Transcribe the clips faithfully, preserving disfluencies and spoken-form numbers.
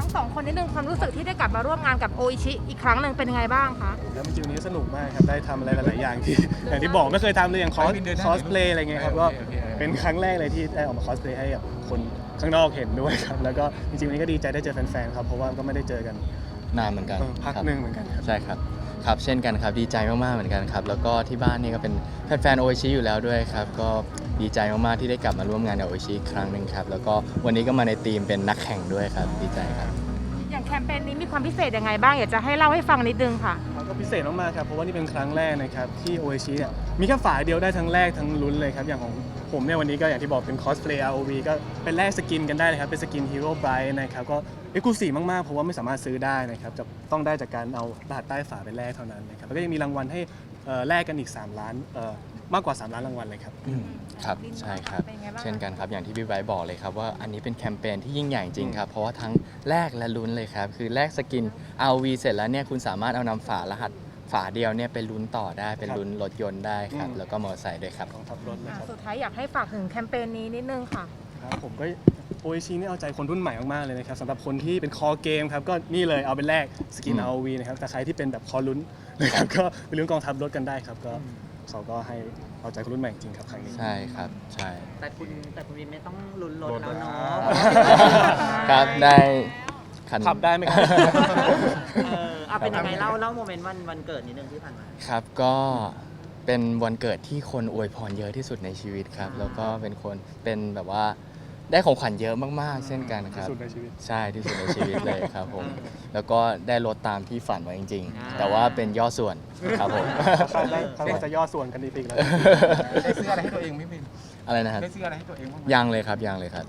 งสองคนนิดนึงความรู้สึกที่ได้กลับมาร่วมงานกับโออิชิอีกครั้งหนึ่งเป็นยังไงบ้างคะแล้วจริงๆวันนี้สนุกมากครับได้ทำอะไรหลายๆอย่างที่อย่างที่บอกไม่เคยทำเลยอย่างคอสคอสเพลย์อะไรเงี้ยครับก็เป็นครั้งแรกเลยที่ได้ออกมาคอสเพลย์ให้กับคนข้างนอกเห็นด้วยครับแล้วก็จริงๆวันนี้ก็ดีใจได้เจอแฟนๆครับเพราะว่าก็ไม่ได้เจอกันนานเหมือนกันพักหนึ่งเหมือนกันครับใช่ครับครับเช่นกันครับดีใจมากๆเหมือนกันครับแล้วก็ที่บ้านนี่ก็เป็นแฟนๆโออิชิอยู่แล้วด้วยครับก็ดีใจมากๆที่ได้กลับมาร่วมงานกับโออิชิอีกครั้งหนึ่งครับแล้วก็วันนี้ก็มาในทีมเป็นนักแข่งด้วยครับดีใจครับอย่างแคมเปญนี้มีความพิเศษยังไงบ้างอยากจะให้เล่าให้ฟังนิดนึงค่ะก็พิเศษมากๆครับเพราะว่านี่เป็นครั้งแรกนะครับที่โออิชิเนี่ยมีแค่ฝาเดียวได้ทั้งแรกทั้งลุ้นเลยครับอย่างของผมเนี่ยวันนี้ก็อย่างที่บอกเป็นคอสเพลย์ อาร์ โอ วี ก็เป็นแลกสกินกันได้เลยครับเป็นสกินฮีโร่ไบรท์นะครับก็เอ็กซ์คลูซีฟมากๆเพราะว่าไม่สามารถซื้อได้นะครับจะต้องได้จากการเอารหัสใต้ฝาไปแลกเท่านั้นนะครับแล้วก็ยังมีรางวัลให้แลกกันอีกสามล้านมากกว่าสามล้านรางวัลเลยครับครับใช่ครับเช่นกันครับอย่างที่พี่ไบร์ทบอกเลยครับว่าอันนี้เป็นแคมเปญที่ยิ่งใหญ่จริงครับเพราะว่าทั้งแลกและลุ้นเลยครับคือแลกสกิน อาร์ โอ วี เสร็จแล้วเนี่ยคุณสามารถเอานำฝารหัสฝาเดียวเนี่ยไปลุ้นต่อได้เป็นลุ้นรถยนต์ได้ครับแล้วก็มอเตอร์ไซค์ด้วยครับของทับรถนะครับสุดท้ายอยากให้ฝากถึงแคมเปญนี้นิดนึงค่ะครับผมก็โออิชินี่เอาใจคนรุ่นใหม่มากๆเลยนะครับสำหรับคนที่เป็นคอเกมครับก็นี่เลยเอาเป็นแรกสกิน อาร์ โอ วี นะครับแต่ใครที่เป็นแบบคอลุ้นนะครับก็ไปลุ้นกองทัพรถกันได้ครับก็เขาก็ให้เอาใจคนรุ่นใหม่จริงครับครั้งนี้ใช่ครับใช่แต่คุณแต่คุณวินไม่ต้องลุ้นรถแล้วเนาะครับได้ขับได้ไหมครับเออเอาเป็นยังไงเล่าเล่าโมเมนต์วันวันเกิดนิดนึงที่ผ่านมาครับก็เป็นวันเกิดที่คนอวยพรเยอะที่สุดในชีวิตครับแล้วก็เป็นคนเป็นแบบว่าได้ของขวัญเยอะมากๆเช่นกันครับที่สุดในชีวิตใช่ที่สุดในชีวิตเลยครับผมแล้วก็ได้รถตามที่ฝันไว้จริงๆแต่ว่าเป็นย่อส่วนครับผมเขาได้เขาจะย่อส่วนกันอีกแล้วได้ซื้ออะไรให้ตัวเองไหมบินอะไรนะครับได้ซื้ออะไรให้ตัวเองบ้างยังเลยครับยังเลยครับ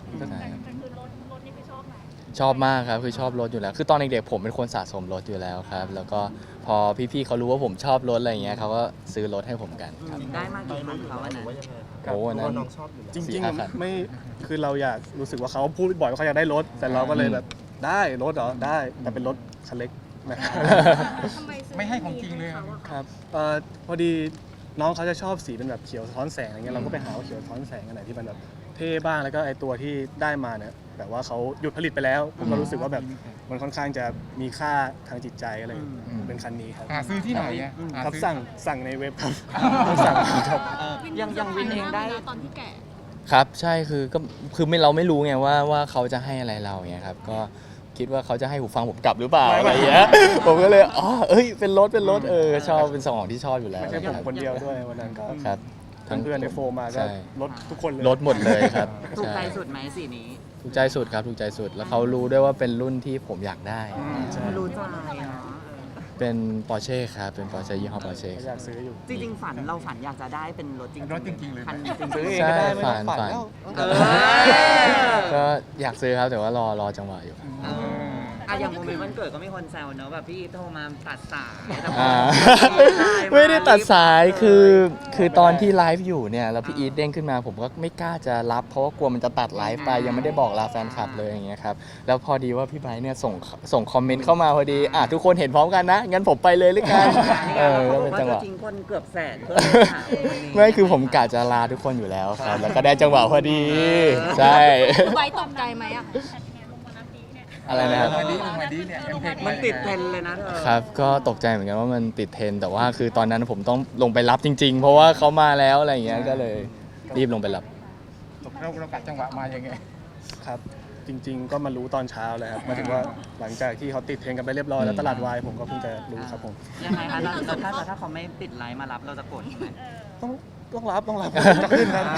ชอบมากครับคือชอบรถอยู่แล้วคือตอนเด็กๆผมเป็นคนสะสมรถอยู่แล้วครับแล้วก็พอพี่ๆเขารู้ว่าผมชอบรถอะไรอย่างเงี้ยเขาก็ซื้อรถให้ผมกันครับได้มากี่คันเขาอันนั้นโอ้นั้นจริงๆไม่คือเราอยากรู้สึกว่าเขาพูดบ่อยว่าเขาอยากได้รถแต่เราก็เลยแบบได้รถเหรอได้แต่เป็นรถคันเล็กนะครับไม่ให้ของจริงเลยครับพอดีน้องเขาจะชอบสีเป็นแบบเขียวสะท้อนแสงอะไรเงี้ยเราก็ไปหาเขียวสะท้อนแสงอันไหนที่มันแบบเท่บ้างแล้วก็ไอตัวที่ได้มาเนี่ยแบบว่าเขาหยุดผลิตไปแล้วผมก็รู้สึกว่าแบบมันค่อนข้างจะมีค่าทางจิตใจอะไรเป็นคันนี้ครับหาซื้อที่ไหนครับสั่งสั่งในเว็บครับสั่งครับยังยังวินเองได้ตอนที่แก่ครับใช่คือก็คือไม่เราไม่รู้ไงว่าว่าเขาจะให้อะไรเราเงี้ยครับก็คิดว่าเขาจะให้หูฟังผมกลับหรือเปล่าอะไรอย่างเงี้ยผมก็เลยอ๋อเอ้ยเป็นรถเป็นรถเออชอบเป็นสองที่ชอบอยู่แล้วไม่ใช่ผมคนเดียวด้วยวันนั้นก็ครับทั้งเพื่อนในโฟมาก็รถทุกคนเลยรถหมดเลยครับถูกใจสุดไหมสีนี้ถูกใจสุดครับถูกใจสุดแล้วเขารู้ด้วยว่าเป็นรุ่นที่ผมอยากได้รู้ใจเป็น Porsche ครับเป็น Porsche ยี่ห้อ Porsche อยากซื้ออยู่จริงๆฝันเราฝันอยากจะได้เป็นรถจริงรถจริงๆเลยคันจริงซื้อเองใช่ก็ได้ฝันฝันก็อยากซื้อครับแต่ว่ารอรอจังหวะอยู่อ่ะอย่างโมเมนต์วันเกิดก็มีคนแซวเนอะแบบพี่โทรมาตัดสายไม่ได้ตัดสายคือคือตอนที่ไลฟ์อยู่เนี่ยแล้วพี่อีทเด้งขึ้นมาผมก็ไม่กล้าจะรับเพราะว่ากลัวมันจะตัดไลฟ์ไปยังไม่ได้บอกลาแฟนคลับเลยอย่างเงี้ยครับแล้วพอดีว่าพี่ไบร์ทเนี่ยส่งส่งคอมเมนต์เข้ามาพอดีอ่ะทุกคนเห็นพร้อมกันนะงั้นผมไปเลยหรือกันเออแล้วเป็นจังหวะจริงคนเกือบแสนเพื่อหาไม่คือผมกะจะลาทุกคนอยู่แล้วครับแล้วก็ได้จังหวะพอดีใช่ไบร์ทตกใจไหมอ่ะอะไรนะครับมันติดเทรนเลยนะเธอครับก็ตกใจเหมือนกันว่ามันติดเทรนแต่ว่าคือตอนนั้นผมต้องลงไปรับจริงๆเพราะว่าเขามาแล้วอะไรอย่างเงี้ยก็เลยรีบลงไปรับเราเรากัดจังหวะมายังไงครับจริงๆก็มารู้ตอนเช้าเลยครับมาถึงว่าหลังจากที่เขาติดเทรนกันไปเรียบร้อยแล้วตลาดวายผมก็เพิ่งจะรู้ครับผมยังไงคะแล้วถ้าถ้าเขาไม่ติดไลน์มารับเราจะกดไหมต้องต้องรับต้องรับจะขึ้นครับ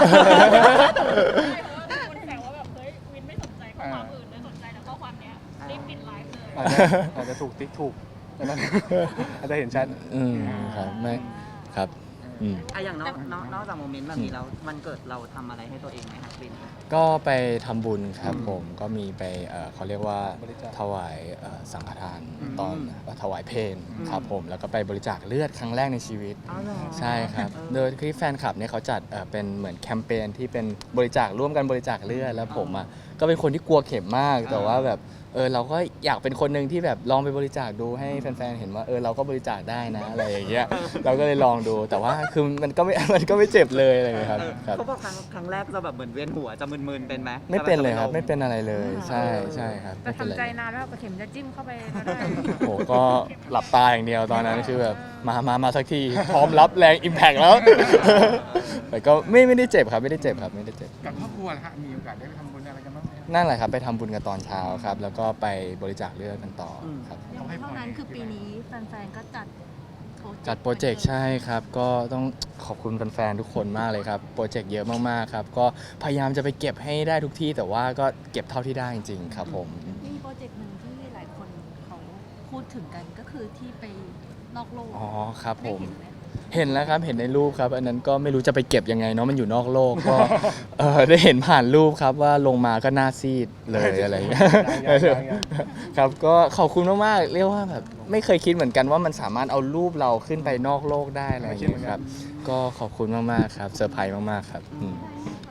อาจจะถูกติ๊กถูกอาจจะเห็นชัดอืมครับไม่ครับอืมอ่ะอย่างนอกนอกจากโมเมนต์แบบนี้แล้วมันเกิดเราทำอะไรให้ตัวเองไหมครับบินก็ไปทำบุญครับผมก็มีไปเขาเรียกว่าถวายสังฆทานตอนถวายเพลครับผมแล้วก็ไปบริจาคเลือดครั้งแรกในชีวิตใช่ครับโดยที่แฟนคลับเนี่ยเขาจัดเป็นเหมือนแคมเปญที่เป็นบริจาคร่วมกันบริจาคเลือดแล้วผมอ่ะก็เป็นคนที่กลัวเข็มมากแต่ว่าแบบเออเราก็อยากเป็นคนหนึ่งที่แบบลองไปบริจาคดูให้แฟนๆเห็นว่าเออเราก็บริจาคได้นะอะไรอย่างเงี้ยเราก็เลยลองดูแต่ว่าคือมันก็ไม่ มันก็ไม่เจ็บเลยอะไรอย่างเงี้ยครับครับเขาบอกครั้งครั้งแรกจะแบบเหมือนเวียนหัวจะมึนๆเป็นไหมไม่เป็นเลยครับไม่เป็นอะไรเลยใช่ใช่ครับแต่ไม่เป็นทำใจไรนานแล้วกระเข็มจะจิ้มเข้าไปก็ได้โอ้ก็หลับตาอย่างเดียวตอนนั้นคือแบบมามามาสักทีพร้อมรับแรงอิมแพกแล้ว แต่ก็ไม่ไม่ได้เจ็บครับไม่ได้เจ็บครับไม่ได้เจ็บกับครอบครัวนะฮะมีโอกาสได้ไปทำบุญอะไรกันบ้างไหมนั่นแหละครับไปทำบุญกันตอนเช้าครับแล้วก็ไปบริจาคเลือดกันต่อครับเขาให้พเท่าร นั้นคือปีนี้แฟนๆ ก็จัดโปรเจกต์จัดโปรเจกต์ใช่ครับ ก็ต้องขอบคุณแฟนๆทุกคนมากเลยครับ โปรเจกต์เยอะมากๆครับ ก็พยายามจะไปเก็บให้ได้ทุกที่ แต่ว่าก็เก็บเท่าที่ได้จริงๆครับผมมีโปรเจกต์หนึ่งที่หลายคนเขาพูดถึงกันก็คือที่ไปนอกโลกอ๋อครับผมได้เห็นไหมเห็นแล้วครับเห็นในรูปครับ อันนั้นก็ไม่รู้จะไปเก็บยังไงเนาะมันอยู่นอกโลกก็ เออได้เห็นผ่านรูปครับว่าลงมาก็หน้าซีดเลยอะไรอย่างเงี้ยยังยังยังครับก็ขอบคุณมากๆเรียกว่าแบบไม่เคยคิดเหมือนกันว่ามันสามารถเอารูปเราขึ้นไปนอกโลกได้อะไรอย่างเงี้ยครับก็ขอบคุณมากๆครับเซอร์ไพรส์มากๆครับอืม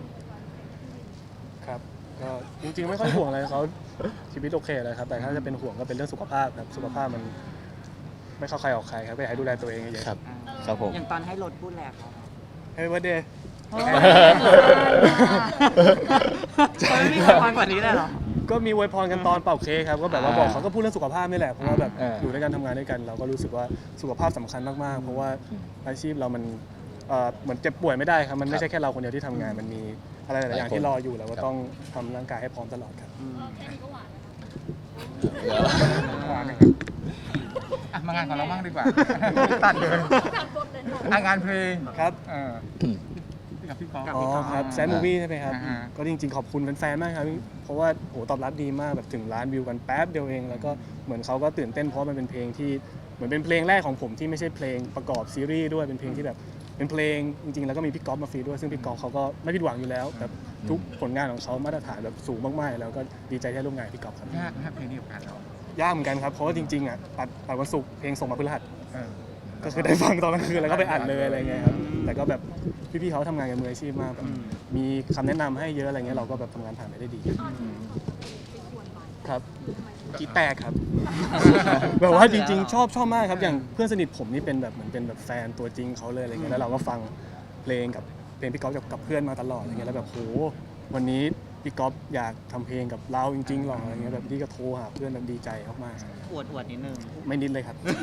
ครับก็จริงๆไม่ค่อยห่วงอะไรเขาชีวิตโอเคเลยครับแต่ถ้าจะเป็นห่วงก็เป็นเรื่องสุขภาพครับสุขภาพมันไม่เข้าใครออกใครครับก็อยากให้ดูแลตัวเองเยอะครับครับผมอย่างตอนให้รถพูดแหละครับๆ Happy birthday เขาไม่มีความกว่านี้เลยเหรอก็มีอวยพรกันตอนเป่าเค้กครับก็แบบว่าบอกเขาก็พูดเรื่องสุขภาพนี่แหละเพราะว่าแบบอ่าอยู่ด้วยกันทำงานด้วยกัน เราก็รู้สึกว่าสุขภาพสำคัญมากๆ เพราะว่าอาชีพเรามันเอ่อเหมือนเจ็บป่วยไม่ได้ครับมันไม่ใช่แค่เราคนเดียวที่ทำงาน มันมีอะไรหลายๆอย่างที่รออยู่เราก็ต้องทำร่างกายให้พร้อมตลอดครับหวานนะครับอ่ะมางานของเราบ้างดีกว่า ตัดเลยอ่ะงานเพลงครับเออที่กับพี่กอล์ฟอ๋อครับแซนมูวี่ใช่ไหมครับอ่าฮะก็จริงๆขอบคุณแฟนๆมากครับเพราะว่าโหตอบรับดีมากแบบถึงล้านวิวกันแป๊บเดียวเองแล้วก็เหมือนเขาก็ตื่นเต้นเพราะมันเป็นเพลงที่เหมือนเป็นเพลงแรกของผมที่ไม่ใช่เพลงประกอบซีรีส์ด้วยเป็นเพลงที่แบบเป็นเพลงจริงๆแล้วก็มีพี่ก๊อฟมาฟรีด้วยซึ่งพี่ก๊อฟเขาก็ไม่ผิดหวังอยู่แล้วแบบทุกผลงานของเขามาตรฐานแบบสูงมากๆแล้วก็ดีใจที่ได้ร่วมงานกับพี่ก๊อฟครับยากนะเพลงนี้กับการเรายากเหมือนกันครับเพราะว่าจริงๆอ่ะตัดตัดวันศุกร์เพลงส่งมาพฤหัสเออก็คือได้ฟังตอนกลางคืนแล้วก็ไปอัดเลยอะไรเงี้ยครับแต่ก็แบบพี่ๆเขาทำงานกันมืออาชีพมากแบบมีคำแนะนำให้เยอะอะไรเงี้ยเราก็แบบทำงานผ่านไปได้ดีครับกีแตกครับ แบบว่าจริงๆ ชอบชอบมากครับอย่างเพื่อนสนิทผมนี่เป็นแบบเหมือนเป็นแบบแฟนตัวจริงเขาเลยอะไรเงี้ยแล้วเราก็ฟังเพลงกับเพลงพี่ก๊อฟกับกับเพื่อนมาตลอดอะไรเงี้ยแล้วแบบโหวันนี้พี่ก๊อฟอยากทำเพลงกับเราจริงๆหรออะไรเงี้ยแบบนี่ก็โทรหาเพื่อนแบบดีใจมากๆครับอวดอวดนิดนึงไม่นิดเลยครับคุย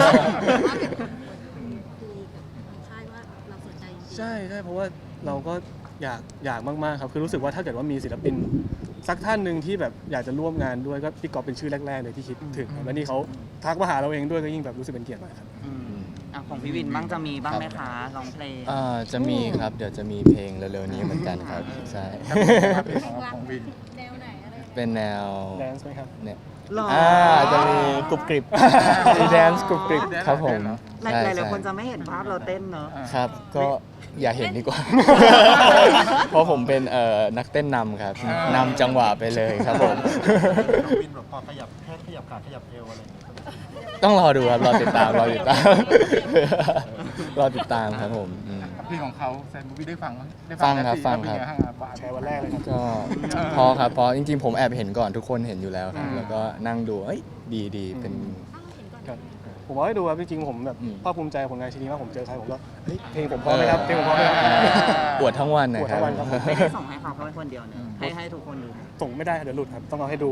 กับทางค่ายว่าเราสนใจจริงๆใช่ใช่เพราะว่าเราก็อยากอยากมากๆครับคือรู้สึกว่าถ้าเกิดว่ามีศิลปินสักท่านหนึ่งที่แบบอยากจะร่วมงานด้วยก็พี่ก๊อฟเป็นชื่อแรกๆเลยที่คิดถึงครับและนี่เขาทักมาหาเราเองด้วยก็ยิ่งแบบรู้สึกเป็นเกียรติมากครับอืมอ่ะของพี่วินบ้างจะมีบ้างไหมคะร้องเพลงอ่าจะมีครับเดี๋ยวจะมีเพลงเร็วๆนี้เหมือนกันครับใช่เพลงของของวินแนวไหนอะไรยังไงเป็นแนวแดนซ์ไหมครับเนี่ยหรออ่าจะมีกรุบกริบมีแดนซ์กรุบกริบครับผมหลายใช่หลายใช่คนจะไม่เห็นภาพเราเต้นเนอะครับก็อย่าเห็นดีกว่า เพราะผมเป็นเอ่อนักเต้นนำครับนำจังหวะไปเลยครับผมวินแบบพอขยับแค่ขยับขาขยับเอวอะไรอย่างเงี้ยต้องรอดูครับรอติดตามรอติดตาม รอติดตามครับผมอืมเพลงของเขาแซนมูวี่ได้ฟังไหมได้ฟังครับแล้วฟังเป็นครับไบ้างอ่ะแชร์วันแรกเลยครับก็พอครับพอจริงๆ ผมแอบเห็นก่อนทุกคนเห็นอยู่แล้วครับอืมแล้วก็นั่งดูเอ้ยดีดีเป็นครับผมว่าให้ดูครับจริงๆผมแบบอืมภาคภูมิใจผลงานชิ้นนี้มากผมเจอใครผมก็เฮ้ยเพลงผมพร้อมไหมครับเพลงผมพร้อมไหมครับปวดทั้งวันนะปวดครัทั้บงวันครับผมไม่ได้ส่งให้เขาเขาเป็นคนเดียวเนอะให้ให้ทุกคนดูส่งไม่ได้เดี๋ยวหลุดครับต้องเอาให้ดู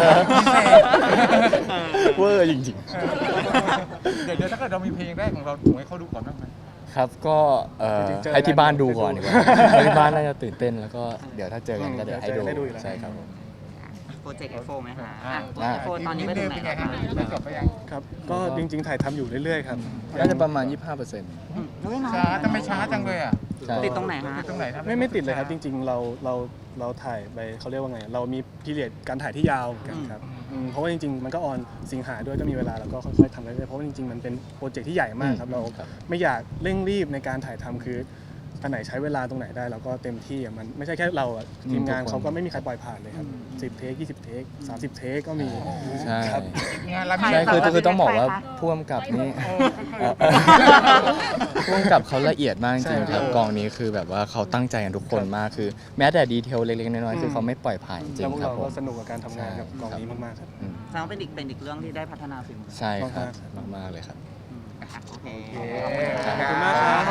เวอร์จริงเดี๋ยวเดี๋ยวถ้าเกิดเรามีเพลงแรกของเราถูกให้เขาดูก่อนบ้างไหมๆ ครับก็เอ่อจริงๆเจอให้ที่บ้านดูได้ก่อนดีกว่าให้ที่บ้านน่าจะตื่นเต้นแล้วก็เดี๋ยวถ้าเจอกันก็เดี๋ยวให้ดูได้ดูอยู่แล้วใช่ครับผมโปรเจกต์ เอฟ โฟร์ ไหมคะอ่าอ่ะโปรเจกต์ เอฟ โฟร์ ตอนนี้ไปถึงไหนเป็นไงแล้วฮะคะได้จบไปยังครับก็จริงๆถ่ายทำอยู่เรื่อยๆครับน่าจะประมาณ ยี่สิบห้าเปอร์เซ็นต์อืมเฮ้ยน้อยช้าทำไมช้าจังเลยอ่ะใช่ติดตรงไหนฮะติดตรงไหนครับไม่ไม่ติดเลยครับจริง ๆ เราเราเราถ่ายไปเขาเรียกว่าไง เรามีพีเรียดการถ่ายที่ยาวเหมือนกันครับอืมเพราะว่าจริงๆมันก็ออนสิงหาด้วยก็มีเวลาเราก็ค่อยๆทำไปเรื่อยๆเพราะว่าจริงๆมันเป็นโปรเจกต์ที่ใหญ่มากครับเราครับไม่อยากเร่งรีบในการถ่ายทำคืออันไหนใช้เวลาตรงไหนได้เราก็เต็มที่อะมันไม่ใช่แค่เราอะทีมงานเขาก็ไม่มีใครปล่อยผ่านเลยครับสิบเทคยี่สิบเทคสามสิบเทคก็มีใช่ครับงานเราใช่คือคือต้องบอกว่าพ่วงกับนี่พ่วงกับเขาละเอียดมากจริงๆครับกองนี้คือแบบว่าเขาตั้งใจกันทุกคนมากคือ แม้แต่ดีเทลเล็กๆน้อยๆคือเขาไม่ปล่อยผ่านจริแล้วงพวกๆครับเราผก็มสนุกกับการทำงานกับกองนี้มากๆครับอืมแสดงว่าเป็นอีกเป็นอีกเรื่องที่ได้พัฒนาฝีมือใช่ครับมากๆเลยครับโอเคขอบคุณมากครับ